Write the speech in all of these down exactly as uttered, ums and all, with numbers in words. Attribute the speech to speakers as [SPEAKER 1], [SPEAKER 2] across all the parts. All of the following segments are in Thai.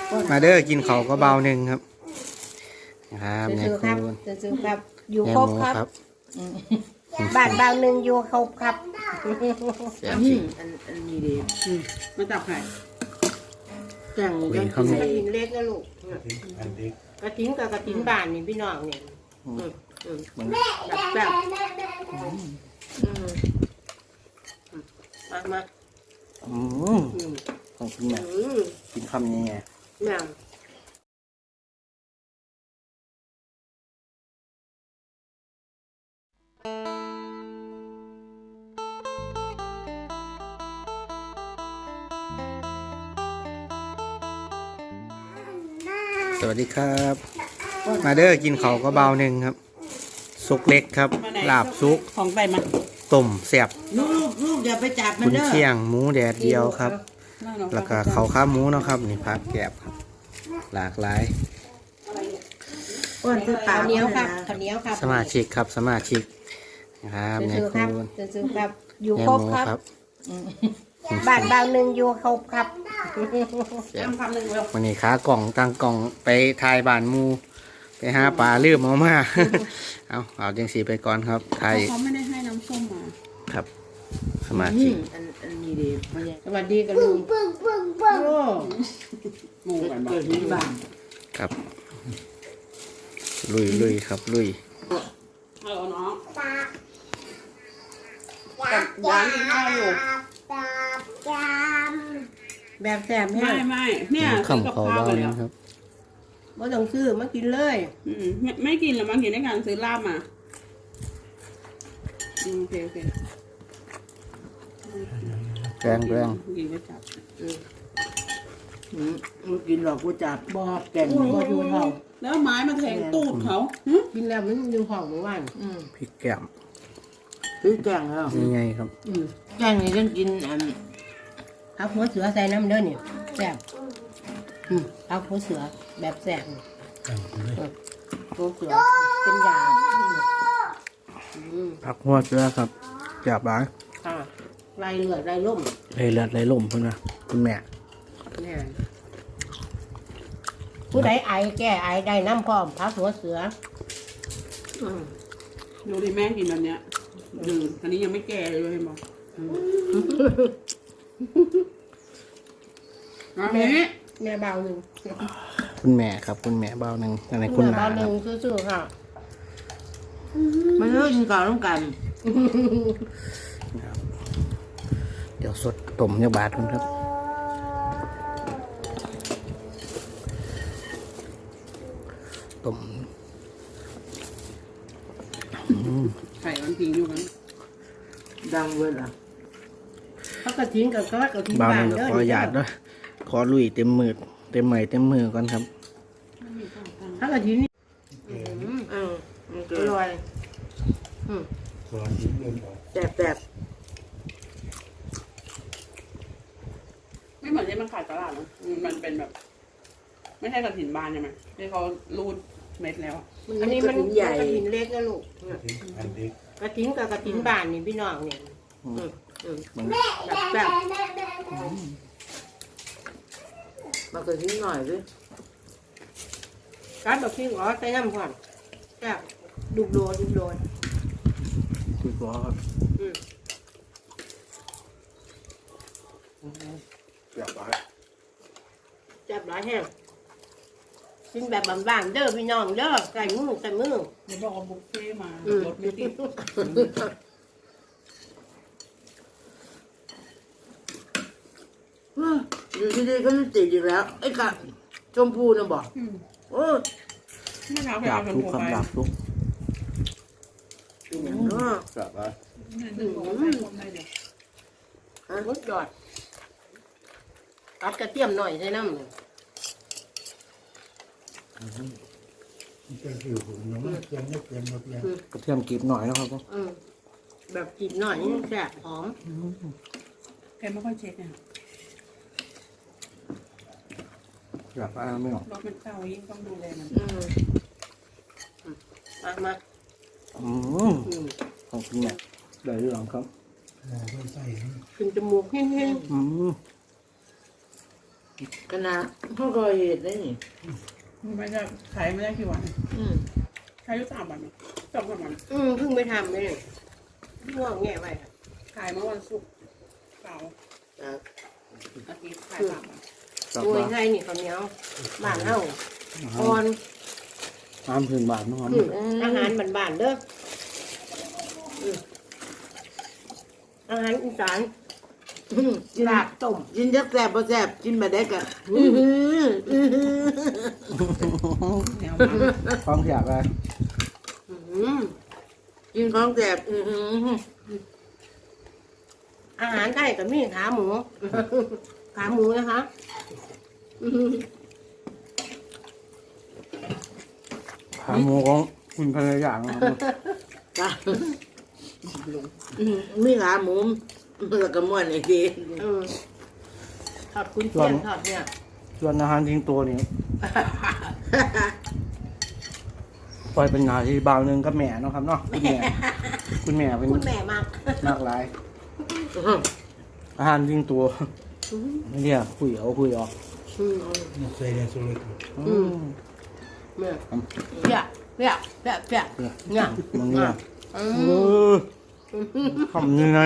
[SPEAKER 1] มาเด้อกินเขาก็เบาหนึ่งครับนะครับเนี่ย
[SPEAKER 2] ค
[SPEAKER 1] คุ
[SPEAKER 2] รับ
[SPEAKER 1] ณ
[SPEAKER 2] ซื้อครับอยู่
[SPEAKER 1] แม่
[SPEAKER 2] ครบ
[SPEAKER 1] หมู
[SPEAKER 2] ครับ
[SPEAKER 1] ครับ
[SPEAKER 2] บ้านเบาหนึ่งอยู่ครบครับ
[SPEAKER 1] แซ่บจริง
[SPEAKER 3] อันอันนี้ดีมาจับไข่
[SPEAKER 2] แจ่ง
[SPEAKER 1] คุย
[SPEAKER 2] กระ
[SPEAKER 1] เขาไม่
[SPEAKER 2] ถินเล็กนะลูกกระถินกับกระถินบ้านนี่พี่น้องเนี่ย
[SPEAKER 1] มัน
[SPEAKER 2] แบบแบบมามา
[SPEAKER 1] อืมของคุณแม่กินคำยังไง
[SPEAKER 2] แม่
[SPEAKER 1] สวัสดีครับ มาเด้อกินเขาก็เบาหนึ่งครับซุกเล็กครับลาบซุก
[SPEAKER 3] ของไปมา
[SPEAKER 1] ต้มแซ่บ
[SPEAKER 3] ลูกลูกลูกอย่าไปจับมัน
[SPEAKER 1] คุณ
[SPEAKER 3] เด้อ
[SPEAKER 1] เชียงหมูแดดเดียวครับ แล้วก็เขาข้าวหมูเนาะครับนี่ผักแกบครับ หลากหลาย
[SPEAKER 3] อ้วนซื้อปลา
[SPEAKER 2] ข้าวเหนียวครับข้าวเหนียวครับ
[SPEAKER 1] สมาชิกครับสมาชิกนะครับเนี่ย
[SPEAKER 2] ซื้อ
[SPEAKER 1] คุ
[SPEAKER 2] ครับ
[SPEAKER 1] ณ
[SPEAKER 2] ซื้อครับอยู่
[SPEAKER 1] แม่
[SPEAKER 2] คร
[SPEAKER 1] ห
[SPEAKER 2] บ
[SPEAKER 1] มู
[SPEAKER 2] ครับ
[SPEAKER 1] ครับ
[SPEAKER 2] บ้านเบาหนึ่งอยู่ครบครับ
[SPEAKER 1] แซ่บ
[SPEAKER 3] ทำคำหนึ่งเร็ว
[SPEAKER 1] วันนี้ขากล่องตั้งกล่องไปทายบ้านหมูไปหาปลาลืมเอามา เอาเอาจังสีไปก่อนครับไทย
[SPEAKER 3] เขาไม่ได้ให้น้ำส้มมา
[SPEAKER 1] ครับ สมาชิก
[SPEAKER 3] อันอันนี้ดีมันยัง
[SPEAKER 2] สวัสดีกันลุง
[SPEAKER 3] โอ้หมูกันบ้างที่บ้าน
[SPEAKER 1] ครับ ลุยลุยครับลุย
[SPEAKER 3] เออน้องกับหวานกินข้าวอยู่
[SPEAKER 2] แบบแซ่บ
[SPEAKER 3] ไม่
[SPEAKER 2] แห้ง
[SPEAKER 3] ไม่เนี่ย
[SPEAKER 1] คำเขาเบานะครับ
[SPEAKER 2] ไม่ต้องซื้อมากินเลย
[SPEAKER 3] อืมไม่ไม่กินหรอมั้งกินในการซื้อลาบมาอืมโอเคโอเค
[SPEAKER 1] แรงแรง
[SPEAKER 3] กินก็จับ
[SPEAKER 4] มึงกินหรอกกูจับบอกแก่ง
[SPEAKER 2] ก็อยู่ห้อง
[SPEAKER 3] แล้วไม้มาแทงตูดเขาหึ
[SPEAKER 2] กินแล้วมันอยู่ห้องเมื่อวาน
[SPEAKER 1] พริกแก้ม
[SPEAKER 4] ซื้อแก่งแล้ว
[SPEAKER 1] นี่ไงครับ
[SPEAKER 4] แก่งนี่ต้องกินอัน
[SPEAKER 2] เอาหัวเสือใส่น้ำเด้อเนี่ยแซ่บอืมเอาหัวเสือแบบแซ่บนี่หัวเสือเป็นยาอืม
[SPEAKER 1] ผักหัวเสือครับจับร้าย
[SPEAKER 2] ค่ะลายเลือดลายล่ม
[SPEAKER 1] เลยเลือดเลยล่มเพื่อนนะคุณแม่
[SPEAKER 2] เนี่ยผู้ใดไอแก้ไอได้น้ำพร้อมพักหัวเสืออืม
[SPEAKER 3] ดูดิแม่กินแบบเนี้ยดื่มอันนี้ยังไม่แก่เลยเห็นบอกอันนี้
[SPEAKER 2] แม่เบาหนึ่ง
[SPEAKER 1] คุณแม่ครับ คุณแม่เบาหนึ่งอะไรคุณ
[SPEAKER 2] แม่
[SPEAKER 1] นา
[SPEAKER 2] เบา
[SPEAKER 1] ค
[SPEAKER 2] ห
[SPEAKER 1] รั
[SPEAKER 2] นึ่
[SPEAKER 1] บ
[SPEAKER 2] งซื่อๆค่ะ
[SPEAKER 4] มันเลิกกินก่อนต้องกัน
[SPEAKER 1] เดี๋ยวสดต้มยาบาดคุณครับต้ม
[SPEAKER 3] ไข่มันพิงอยู่กัน
[SPEAKER 4] ดังเว้ยล่ะ
[SPEAKER 2] เขากระทิ้งกับก็กระทิ้ง
[SPEAKER 1] เบาห
[SPEAKER 2] บ้า
[SPEAKER 1] นึ่
[SPEAKER 2] น
[SPEAKER 1] งก็
[SPEAKER 2] เด้อ
[SPEAKER 1] ขอหยาดด้วยขอลุยเต็มมือเต็มไม้เต็มมือก่อนครับ
[SPEAKER 2] เขากระทิ้งนี่
[SPEAKER 4] อืมมัน
[SPEAKER 2] อ
[SPEAKER 4] เกิด
[SPEAKER 2] ร่อยอืม
[SPEAKER 4] แสบแสบ
[SPEAKER 3] ไม่เหมือนที่มันขายตลาดนะมันเป็นแบบ ไม่ใช่กระถิ่นบานใช่ไหมที่เขารูดเม็ดแล้ว
[SPEAKER 2] อันนี้มันกระทิ้งเล็กนะลูกกระทิ้งกับกระทิ้งบ้านนี่พี่น้องเนี่ยอืมอืม
[SPEAKER 1] มัน
[SPEAKER 2] แบบแบบ
[SPEAKER 4] มาเกิดนิดหน่อยสิ
[SPEAKER 2] การแบบที่อ๋อใส่น้ำก่อนแบบดุโดนดุโดน
[SPEAKER 1] คือก็ครับ
[SPEAKER 2] อืม
[SPEAKER 1] จับร้าย
[SPEAKER 2] จับหลายแห้งกินแบบบ้านๆเด้อพี่น้องเด้อใส่มือใส่มือ
[SPEAKER 3] เดี๋ยวบอกเอาบุฟเฟ่ต์มา
[SPEAKER 2] อืม
[SPEAKER 3] รถไม่ติด
[SPEAKER 4] อยู่ที่นี่ก็ไม่ติดอีกแล้วไอ้กะชมพูนะบอก
[SPEAKER 3] อืม
[SPEAKER 4] โอ้ย
[SPEAKER 3] ไม่เอาไป
[SPEAKER 1] ดา
[SPEAKER 3] เอา
[SPEAKER 1] บ
[SPEAKER 3] เป็น
[SPEAKER 1] ทุก
[SPEAKER 3] โปร
[SPEAKER 1] ครับ
[SPEAKER 3] ไป
[SPEAKER 1] ดาบทุก
[SPEAKER 4] เป็นอย่างนั้น
[SPEAKER 1] จับร้าย
[SPEAKER 3] หนึ่งหัวใส่คนได้เดี๋ยว
[SPEAKER 2] รสยอดตัดกระเทียมหน่อยใส่น้ำเลย
[SPEAKER 1] กระเทียมกรีบหน่อยนะครับ
[SPEAKER 2] อืมแบบกินหน่อยนี่แซ่บหอม
[SPEAKER 3] แกไม่ค่อยเช็คเนี่ย
[SPEAKER 1] จับร้ายไม่ออก
[SPEAKER 3] รถมันเก่ายิ่งต้องดูแลมัน
[SPEAKER 2] อืมอืมมามา
[SPEAKER 1] อืม
[SPEAKER 2] อืม
[SPEAKER 1] ของคุณแม่ได้เรื่องครับ
[SPEAKER 2] ขึ้นจมูกเฮ้ง
[SPEAKER 1] อืม
[SPEAKER 4] ขนาดเขาก็เห็ดได้นี่
[SPEAKER 3] ไม่ได้ขายไม่ได้กี่วัน
[SPEAKER 4] อืม
[SPEAKER 3] ขายอยู่สามวันสองสามวัน
[SPEAKER 2] อืมเพิ่งไปทำเลยเนี่ยงอกแง่ไป
[SPEAKER 3] ขายเมื่อวันศุกร์เสาร์
[SPEAKER 4] จ้ะ
[SPEAKER 3] อาทิตย์ขายสามวัน
[SPEAKER 1] กลับ
[SPEAKER 2] โอ้ย
[SPEAKER 1] มา
[SPEAKER 2] ไทยนี่ข้าวเหนียวบ้านเฮาอ่อน
[SPEAKER 1] น้ำพื้นบาทนะครับ
[SPEAKER 2] อืมอาหารบ้านๆเด้ออืมอาหารอีสานอืมลาบต้ม
[SPEAKER 4] กินจักแซ่บบ่แซ่บกินมาได้กะอื้อหืออื้อหือ
[SPEAKER 3] แนวมา
[SPEAKER 1] ความอยากอะไร
[SPEAKER 2] อืม
[SPEAKER 4] กินของแซ่บอื้อหือ
[SPEAKER 2] อาหารไทยก็มีขาหมู ขาหมูนะคะอืม
[SPEAKER 1] ขาหมูของคุณภรรยานะครับ
[SPEAKER 4] จ้ะอื้อมีขาหมูแล้วก็ม้วนอีกที
[SPEAKER 2] เออทอดคุณเชียงทอดเนี่ย
[SPEAKER 1] ส่วนอาหารทิ้งตัวนี่ปล่อยเป็นหนาที่บางหนึงกับแม่เนาะครับเนาะคุณแม่คุณแม่เป็น
[SPEAKER 2] คุณแม่มาก
[SPEAKER 1] มากหลาย อาหารทิ้งตัวเนี่ยคุยเอาคุยออก
[SPEAKER 2] อืม
[SPEAKER 1] อืม
[SPEAKER 2] แม่เปียกเปียกเปียกเปียกเนี่ย
[SPEAKER 1] มันเนี่ย
[SPEAKER 2] อื
[SPEAKER 1] เอ
[SPEAKER 2] ม
[SPEAKER 1] อทำยังไง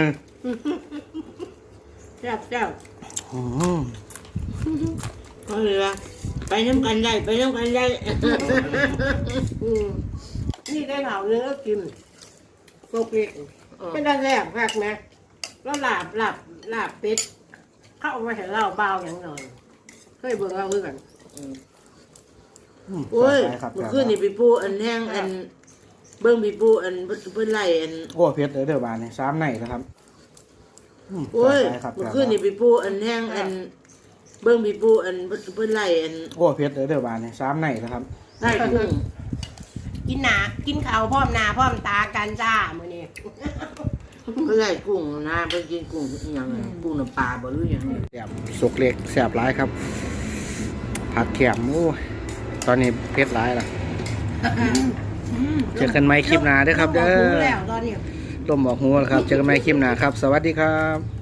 [SPEAKER 2] เปียกเปียก
[SPEAKER 1] อืม
[SPEAKER 4] ก็เลยว่าไปน้ำกันได้ไปน้ำกันได้
[SPEAKER 2] อืมนี่ได้เผาเนื้อกินโกเล็กเป็นได้แซ่บคักไหมแล้วลาบลาบลาบเป็ดเข้ามาให้เราเบาอย่างหน่อยเคยเบิ่งเราคือกัน
[SPEAKER 4] โอ้ย
[SPEAKER 1] ครับ
[SPEAKER 4] เมื่อคืนนี่พี่ปูอันแห้งอัน เบิ้งพี่ปูอันเพิ่นไล่อัน
[SPEAKER 1] โอ้เพชรเด้อเด้อบานนี่สามในนะครับม
[SPEAKER 4] โอ้ย
[SPEAKER 1] สบาครับ
[SPEAKER 4] เมื่อคืนนี่พี่ปูอันแห้งอัน เบิ้งพี่ปูอันเพิ่นไล่อัน
[SPEAKER 1] โอ้เพชรเด้อเด้อบานนี่สามในนะครับ
[SPEAKER 4] ไล่กุ้ง
[SPEAKER 2] กินหนากินข้าวพร้อมหนาพร้อมตากันจ้ามื้อนี้
[SPEAKER 4] เพิ่นไล่กุ้งนะเพิ่นกินกุ้งอหย่างนั้นกุ้งน้ำปลาบ่รู้อหย่างนั้น
[SPEAKER 1] แซ่บสุกเล็กแสบร้ายครับ ผัดแขมโอ้ยตอนนี้เพชรร้ายละเจอกันใหม่คลิปหน้าเด้อครับ เด้
[SPEAKER 2] ริ่ม
[SPEAKER 1] อ
[SPEAKER 2] รู้แล้วตอนนี้
[SPEAKER 1] ร่มบอกหัวแล้วครับ เจอกันใหม่คลิปหน้าครับ สวัสดีครับ